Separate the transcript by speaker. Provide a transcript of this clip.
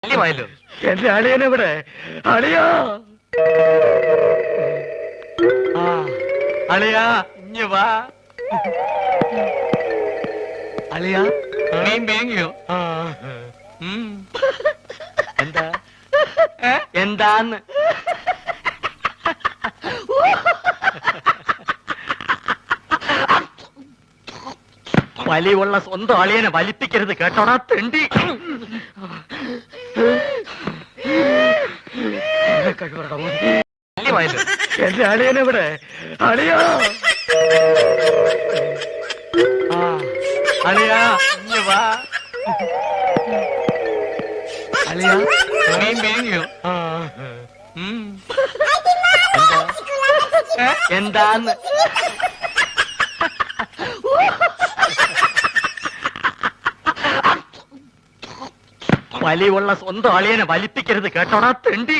Speaker 1: ശല്യമായല്ലോ.
Speaker 2: എന്റെ അളിയനെവിടെ? അളിയാ,
Speaker 1: ആ അളിയാ ഇഞ്ഞ് വാ. അളിയാ മീൻ വേങ്ങിയോ?
Speaker 2: ആ,
Speaker 1: എന്താ എന്താന്ന്? വലിയുള്ള സ്വന്തം അളിയനെ വലിപ്പിക്കരുത് കേട്ടോടാ തെണ്ടി. ശല്യമായല്ലോ.
Speaker 2: എന്റെ അളിയനെവിടെ? അളിയാ,
Speaker 1: ആ അളിയാ ഇഞ്ഞ് വാ. അളിയാ മീൻ വേങ്ങിയോ?
Speaker 2: ആ,
Speaker 1: എന്താന്ന്? വലിയുള്ള സ്വന്തം അളിയനെ വലിപ്പിക്കരുത് കേട്ടോടാ തെണ്ടി.